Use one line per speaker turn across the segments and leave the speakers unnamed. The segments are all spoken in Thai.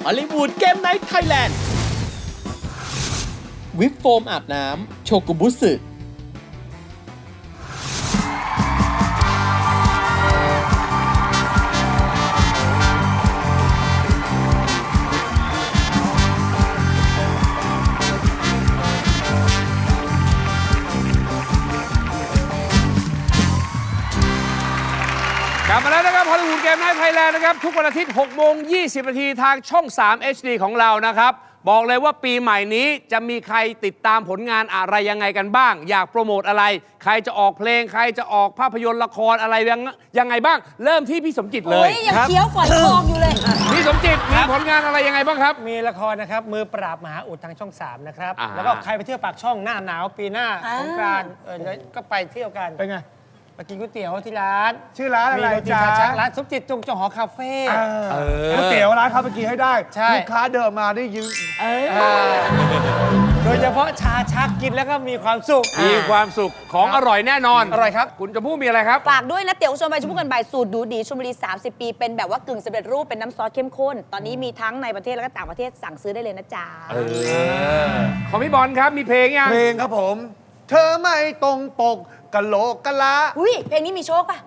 ฮอลลีวูดเกมไนท์ไทยแลนด์วิปโฟมอาบน้ำโชกุบุสึ
กลับมาแล้วนะครับฮอลลีวูดเกมไนท์ไทยแลนด์นะครับทุกวันอาทิตย์6 โมง 20 นาทีทางช่อง 3 HD ของเรานะครับบอกเลยว่าปีใหม่นี้จะมีใครติดตามผลงานอะไรยังไงกันบ้างอยากโปรโมทอะไรใครจะออกเพลงใครจะออกภาพยนตร์ละครอะไรยังไงบ้างเริ่มที่พี่สมจิตเลย
ยังเคี้ยวฝอยทองอยู่เลย
พี่สมจิตมีผลงานอะไรยังไงบ้างครับ
มีละครนะครับมือปราบมหาอุดทางช่อง 3 นะครับ
อ่า
แล้วก็ใครไปเที่ยวปากช่องหน้าหนาวปีหน้า
อ่า
สงกรานต์ก็ไปเที่ยวกัน
เป็นไง
ไปกินก๋วยเตี๋ยวที่ร้าน
ชื่อร้านอะไร
มีโรตี
จ๊ะ
คาชักร้านสมจิตจงหอคาเฟ่
ก๋วยเตี๋ยวร้านเขาไปกินให้ได้
ใช่
ลูกค้าเดินมาได้ยืน
โดยเฉพาะชาชักกินแล้วก็มีความสุข
มีความสุขของอร่อยแน่นอน
อร่อยครับ
คุณจะพูดมีอะไรครับ
ฝากด้วยนะเตี๋ยวชวนไปชมพูกันบ่ายสูตรดูดีชลบุรี 30 ปี เป็นแบบว่ากึ่งสำเร็จรูปเป็นน้ำซอสเข้มข้น ตอนนี้มีทั้งในประเทศแล้วก็ต่างประเทศสั่งซื้อได้เลยนะจ๊ะ
ของพี่บอลครับมีเพลงยัง
เพลงครับผม เธอไม่ตรงปกกะโหลกกะลา
อุ้ยเพลงนี้มีโชคป่ะ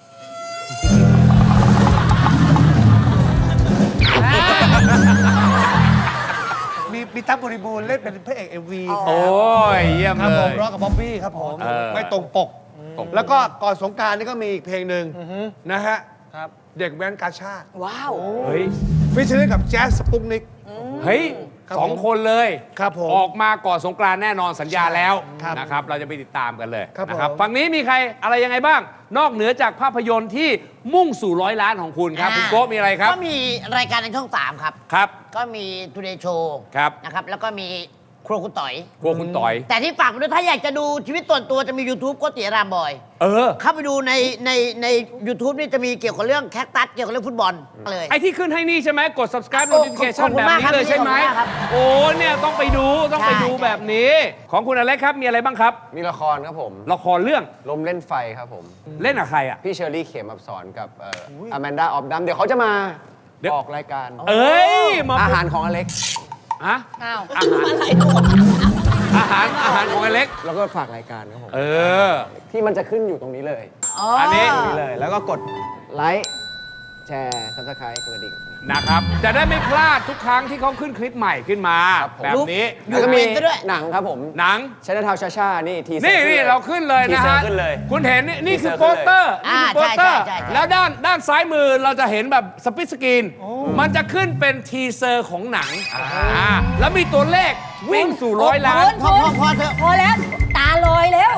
มีตั๊บบริบูรณ์เล่นเป็นพระเอก MV
โอ้ยเยี่ยม
ครับ
เล
ผม
ย
ร้องกับบ๊อบบี้ครับผม
เออ
ไม่ตรงปก แล้วก็ก่อนสงกรารนี่ก็มีอีกเพลงหนึ่งนะฮะ
ครับ
เด็กแว้นกาชาติ
ว้าว
เฮ้ย
ฟิชเชอร์กับแจ๊สสปุกนิก
เฮ้ย
ครับ
สองคนเลย
ครับผม
ออกมาก่อนสงกรานต์แน่นอนสัญญาแล้ว
ครับ
นะครับเราจะไปติดตามกันเลย
ครับ
นะครับ
ผม
ฝั่งนี้มีใครอะไรยังไงบ้าง นอกเหนือจากภาพยนตร์ที่มุ่งสู่100 ล้านของคุณครับคุณโก้มีอะไรครับ
ก็มีรายการในช่อง 3 ครับ
ครับ
ก็มี Today Show
ครับ
นะครับ แล้วก็มีครัวคุณต่อย
กลัวคุณต่อย
แต่ที่ฝากไปด้วยถ้าอยากจะดูชีวิตส่วนตัวจะมี YouTube โก็เตี๋ยรามบอย
เออ
เข้าไปดูใน YouTube นี่จะมีเกี่ยวกับเรื่องแคคตัสเกี่ยวกับเรื่องฟุตบอลเลย
ไอ้ที่ขึ้นให้นี่ใช่ไหมกด subscribe
ขอบ
notification
คุณ
แบบ
มาก
นี้
ครับ
เลยใช่ไหม
ขอบคุณมากครับ
โอ้เนี่ยต้องไปดูต้องไปดู
ใช่
แบบนี้ ของคุณอเล็กครับมีอะไรบ้างครับ
มีละครครับผม
ละครเรื่อง
ลมเล่นไฟครับผม
เล่นกับใครอ่ะ
พี่เชอรี่เขมอับสอนกับอแมนดาออฟดัมเดี๋ยวเขาจะมา
เดี๋ยว
ออกรายการ
เอ้ยมา
อาหารของอเล็ก
ฮะ
อ้าว
อาหารอาหารของอเล็ก
แล้วก็ฝากรายการครับผม
เออ
ที่มันจะขึ้นอยู่ตรงนี้เลย
อันนี้
ตรงนี้เลย แล้วก็กดไลค์แชร์ซับสไครต์กดกระดิ่ง
นะครับ จะได้ไม่พลาดทุกครั้งที่เขาขึ้นคลิปใหม่ขึ้นมา
ครับผม
แบบนี้
แล้วก็มีหนังครับผม
หนัง
ชนะทาวชาชานี่ที
นี่เราขึ้นเลยนะฮะ
ขึ้นเลย
คุณเห็นนี่คือ
ทีเซอร์
โปสเตอร์
อ่า
นี่คือโปสเตอร์
ใช่
แล้วด้านซ้ายมือเราจะเห็นแบบสปิทสกรีน มันจะขึ้นเป็นทีเซอร์ของหนังแล้วมีตัวเลขวิ่งสู่100 ล้าน
พอเถอะ
พอแล้ว ตาลอยแล้ว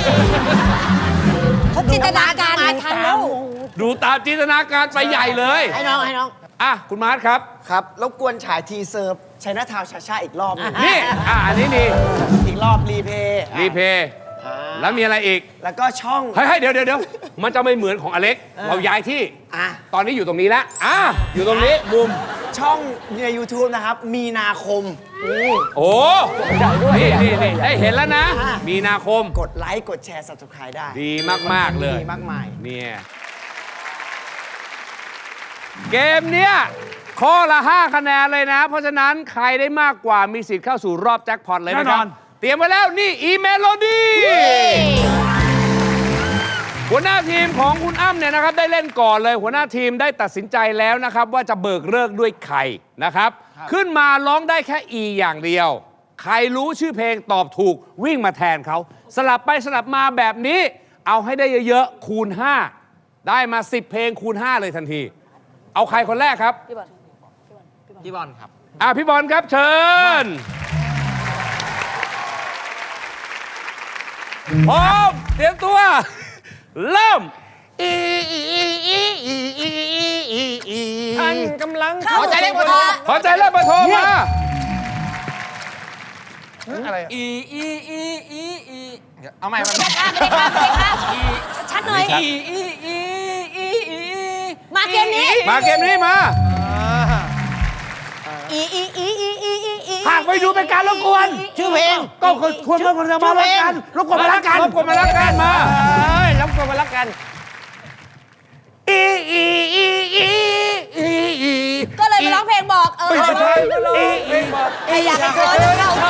เขาจินตนาการไม่ทันแล้ว
ดูตามจินตนาการไปใหญ่เลย
ให้น้อง
อ่ะคุณมาร์ทครับ
ครับรบกวนฉายทีเซอร์ชัยนาทาวชาชาอีกรอบหนึ่ง
นี่อันนี้นี่
อีกรอบรีเพย์
รีเพย์แล้วมีอะไรอีก
แล้วก็ช่อง
เฮ้ยเดี๋ยวมันจะไม่เหมือนของอเล็ก เราย้ายที่
อ่ะ
ตอนนี้อยู่ตรงนี้แล้วอยู่ตรงนี้มุม
ช่องใน YouTube นะครับ มีนาคม
โอ้นี่ได้เห็นแล้วนะ
อ่ะ
มีนาคม
กดไลค์กดแชร์ subscribe ได้
ดีมาก ๆ เลย
ดีมากมาย
เนี่ยเกมเนี้ยข้อละ 5 คะแนนเลยนะ เพราะฉะนั้นใครได้มากกว่ามีสิทธิ์เข้าสู่รอบแจ็คพอตเลยนะค
แน่
รั
น
บ
อน
เตรียมไว้แล้วนี่อีเมโลดี้หัวหน้าทีมของคุณอ้ำเนี่ยนะครับได้เล่นก่อนเลย หัวหน้าทีมได้ตัดสินใจแล้วนะครับ ว่าจะเบิกเลิกด้วยใครนะครับ ขึ้นมาร้องได้แค่ E อย่างเดียว ใครรู้ชื่อเพลงตอบถูกวิ่งมาแทนเขาสลับไปสลับมาแบบนี้ เอาให้ได้เยอะๆคูณ 5 ได้มา 10 เพลงคูณ 5 เลยทันที เอาใครคนแรกครับ
พี่บอลครับ
พี่บอลครับเชิญพร้อมเตรียมตัว เริ่ม
ท่านกำลัง
เข้าใจเลขปท
ขอใจเริ่มมาโทรมา
อะไรอะ
เอาใหม่มา
ไม่ได้ค่ะชัดๆหน่อย มาเกมนี้
มาเกมนี้มา
หากไปดูเป็นการรบกวน
ชื่อเพลง
ก็ควรเพื่อนจะมารักกันรบกวนมารักกัน
รบกวนมารักกันมา
แล้วกดมารักกัน
ก็เลยมาร้องเพลงบอกใครอยากให้เธอเข้า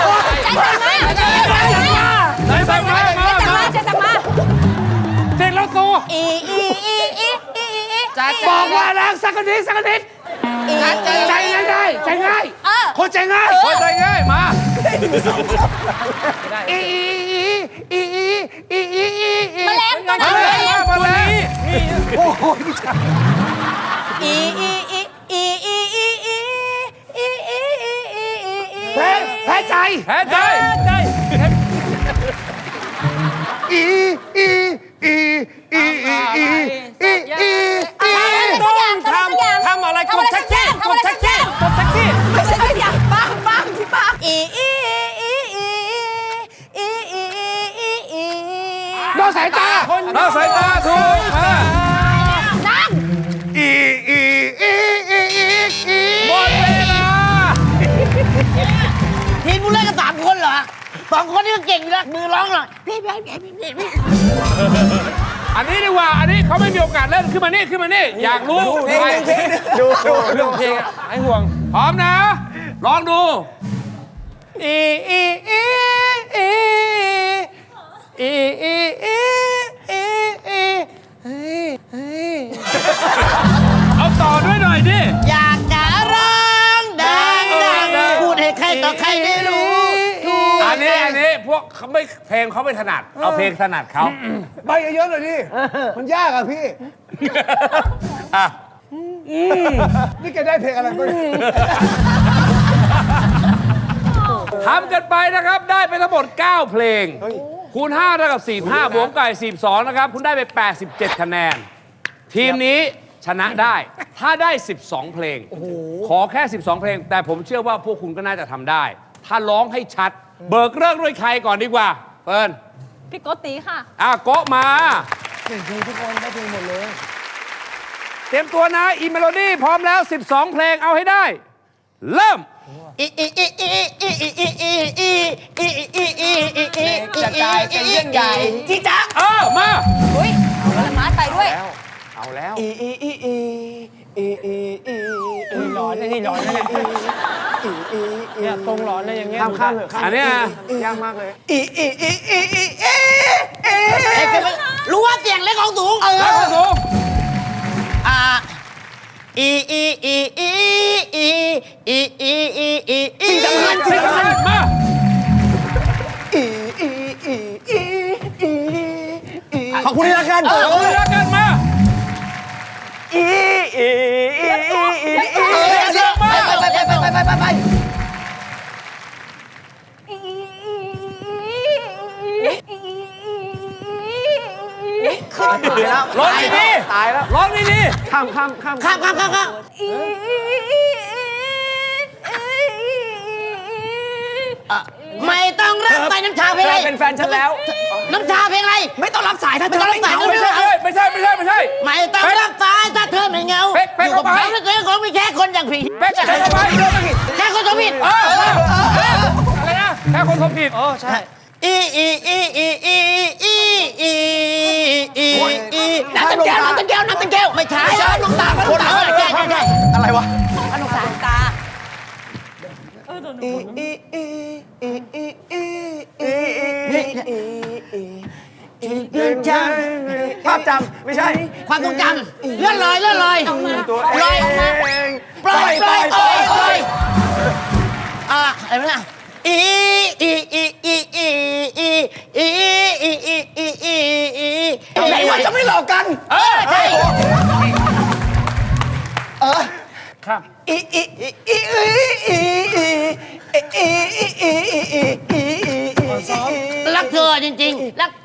ใจสั่งมาใจสั่งมา
เสร็จแล้วตัว
บอกว่าแล้วสักนิดใจง่ายใจง่ายคนใจง่าย
พอใจง่ายมา
แมลงตัวนั้น
มาเลย
แพ้ใจ
แพ้ใจ
ทำอะไรกดแท็กซี่กดแท็กซี่กดแท็กซี่
ไม่ใช่สักอย่างปังที่ปาก
นอกสายตา
นอกสายตาถูกมา
นั่ง
หมดเวลา
ทีมกูเล่นกัน3 คนเหรอ2 คนนี่ก็เก่งอยู่แล้วมือร้องหน่อยพี่
อันนี้ดีกว่า อันนี้เขาไม่มีโอกาสเล่นขึ้นมานี่อยากรู้ใคร
ดูเรื่องเพลงอะหายห่วง
พร้อมนะ ลองดู เอาต่อด้วยหน่อยดิ
อยากจะร้องดังพูดให้ใครต่อใครได้รู้
อันนี้พวกเขาไม่เพลงเขาไม่ถนัด เอาเพลงถนัดเขา
ใบเยอะๆหน่อยดิ มันยากอ่ะพี่
อ่ะ
นี่แกได้เพลงอะไรบ้าง
ทำกันไปนะครับ ได้ไปทั้งหมด 9 เพลง คูณ5เท่ากับ45บวกไก่42นะครับ คุณได้ไป 87 คะแนน ทีมนี้ชนะได้ ถ้าได้ 12 เพลง ขอแค่ 12 เพลง แต่ผมเชื่อว่าพวกคุณก็น่าจะทำได้ ถ้าร้องให้ชัด เบิกเลิกด้วยใครก่อนดีกว่าเฟิร์น
พี่โกตีค่ะ
โกะมาเตรียมตัวนะอีเมโลดี้พร้อมแล้ว 12 เพลงเอาให้ได้ เริ่ม
จะกลายเป็นเรื่องใหญ่จีจ๊ะ
มา
อุ้ยเอาละมาไปด้วย
เอาแล้ว
หลอนนะนี่หลอนนะเนี่ยตรงหลอนนะอย่างเงี้ย
ข้ามเถอะ
อันเนี้ย
ยากมากเลย
รู้ว่าเสียงเล็กของสูง
แล้วก็สูง
สิ่งสำคัญ
มา
ขอบคุณที่รักกัน
เอาเลยละกันมา
ไป
ร้องดี
ตายแล้ว
ๆร้องดี
ข้าม
ไม่ต้องรับสายน้ำชาเพลงอะไร
เป็นแฟนฉันแล้ว
น้ำชาเพลงอะไร
ไม่ต้องรับสายถ้าเธ
ไม่
อ
ต้องรับ
ไม่
สาย
เหงา
ๆไม่ใช่ไม่ใช่
ไม่ต้องรับสายถ้าเธอไม่เหงา
เป๊ก
อยู่กับ
เข้าไป
เขาแล้วเธอคงไม่แค่คนอย่างผี
เป๊กจะให้เข้าไป
แค่คนตัวผิด
อะไรนะแค่คนทำผิด
ใช่
น้ำตาแก้วไม่ใช่น้ำตาคนใช่
อะไรวะ
น้ำตาตา
ภาพจำไม่ใช่
ความทรงจำเลื่อนลอยลอยปล่อยอะไรไม่ล่ะ
ไหนว่าจะไม่หลอกกัน
ใช่ รักเธอจริงๆรัก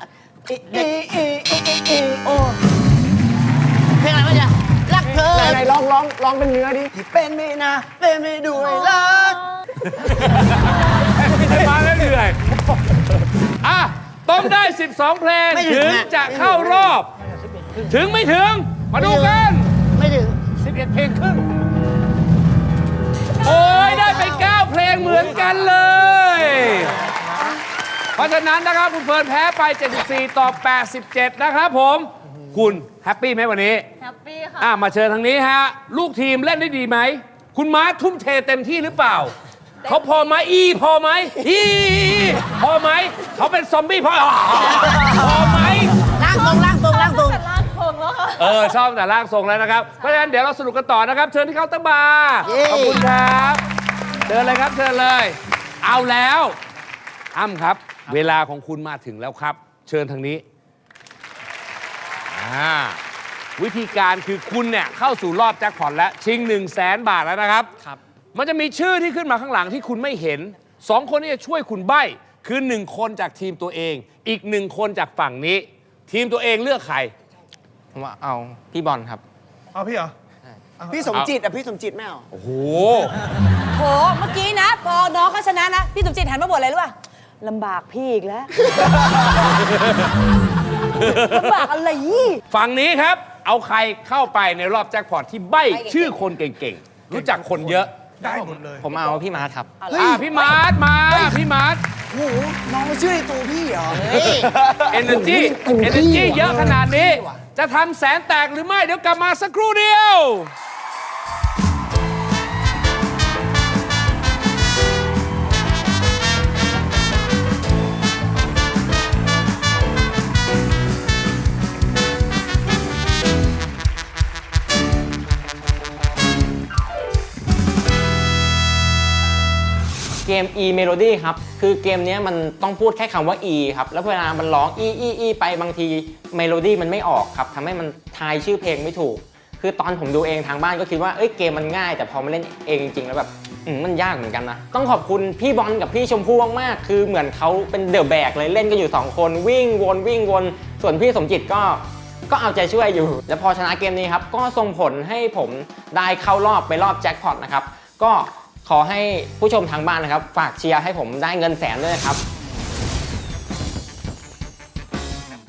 โอ้เพลงอะไรวะเนี่ยรักเธอ
ไหนร้องเป็นเนื้อดิ
เป็นไม่นะเป็นไม่ด้วยรัก
มาแล้วเหนื่อยต้องได้ 12 เพลงถึงจะเข้ารอบ ถึงไม่ถึง มาดูกัน
ไม่ถึง
11 เพลงครึ่ง โอ้ยได้ไป 9 เพลงเหมือนกันเลย เพราะฉะนั้นนะครับคุณเฟิร์นแพ้ไป 74 ต่อ 87 นะครับผม คุณแฮปปี้ไหมวันนี้
แฮปปี้ค่ะ
มาเชิญทางนี้ฮะ ลูกทีมเล่นได้ดีไหมคุณม้าทุ่มเทเต็มที่หรือเปล่า เขาพอไหมอีพอไหมอีพอไหมเขาเป็นซอมบี้พอไหม
ล่างตรงล่างตรงล่างตรง
ชอบแต่ร่างทรงแล้วนะครับ เพราะฉะนั้นเดี๋ยวเราสนุกกันต่อนะครับ เชิญที่เคาน์เตอร์บาร์ขอบคุณครับเชิญเลยครับเชิญเลย เอาแล้วอ้ำครับ เวลาของคุณมาถึงแล้วครับ เชิญทางนี้วิธีการคือคุณเนี่ยเข้าสู่รอบแจ็คพอตแล้วชิง 100,000 บาทแล้วนะครับ มันจะมีชื่อที่ขึ้นมาข้างหลังที่คุณไม่เห็น 2 คนที่จะช่วยคุณใบ้คือ 1 คนจากทีมตัวเอง อีก 1 คนจากฝั่งนี้ ทีมตัวเองเลือกใคร
ผมว่าเอาพี่บอลครับ
เอาพี่เหรอ
พี่สมจิตพี่สมจิตไม่เอา
โอ้โห
โห เมื่อกี้นะ พอน้องเขาชนะนะ พี่สมจิตหันมาบ่นอะไรรู้ป่ะลำบากพี่อีกแล้ว ลำบากอะไรยี่
ฝั่งนี้ครับ เอาใครเข้าไปในรอบแจ็คพอตที่ใบ้ชื่อคนเก่งๆ รู้จักคนเยอะ
ได้หมดเลย
ผมเอาพี่มาร์ทครับ
พี่มาร์ทมา พี่มาร์ท
โอ้โห น้องมาชื่อในตัวพี่เหรอ
Energy เยอะขนาดนี้ จะทำแสนแตกหรือไม่ เดี๋ยวกลับมาสักครู่เดียว
เกม E Melody ครับ คือเกมนี้มันต้องพูดแค่คำว่า E ครับ แล้วเวลามันร้อง E ไปบางที Melody มันไม่ออกครับทำให้มันทายชื่อเพลงไม่ถูก คือตอนผมดูเองทางบ้านก็คิดว่าเกมมันง่าย แต่พอมาเล่นเองจริงๆแล้วแบบมันยากเหมือนกันนะ ต้องขอบคุณพี่บอลกับพี่ชมพู่มากๆ คือเหมือนเขาเป็นเดอะแบกเลยเล่นกันอยู่2คนวิ่งวนส่วนพี่สมจิตก็เอาใจช่วยอยู่ แล้วพอชนะเกมนี้ครับก็ส่งผลให้ผมได้เข้ารอบไปรอบแจ็คพอตนะครับก็ขอให้ผู้ชมทางบ้านนะครับฝากเชียร์ให้ผมได้เงินแสนด้วยนะครับ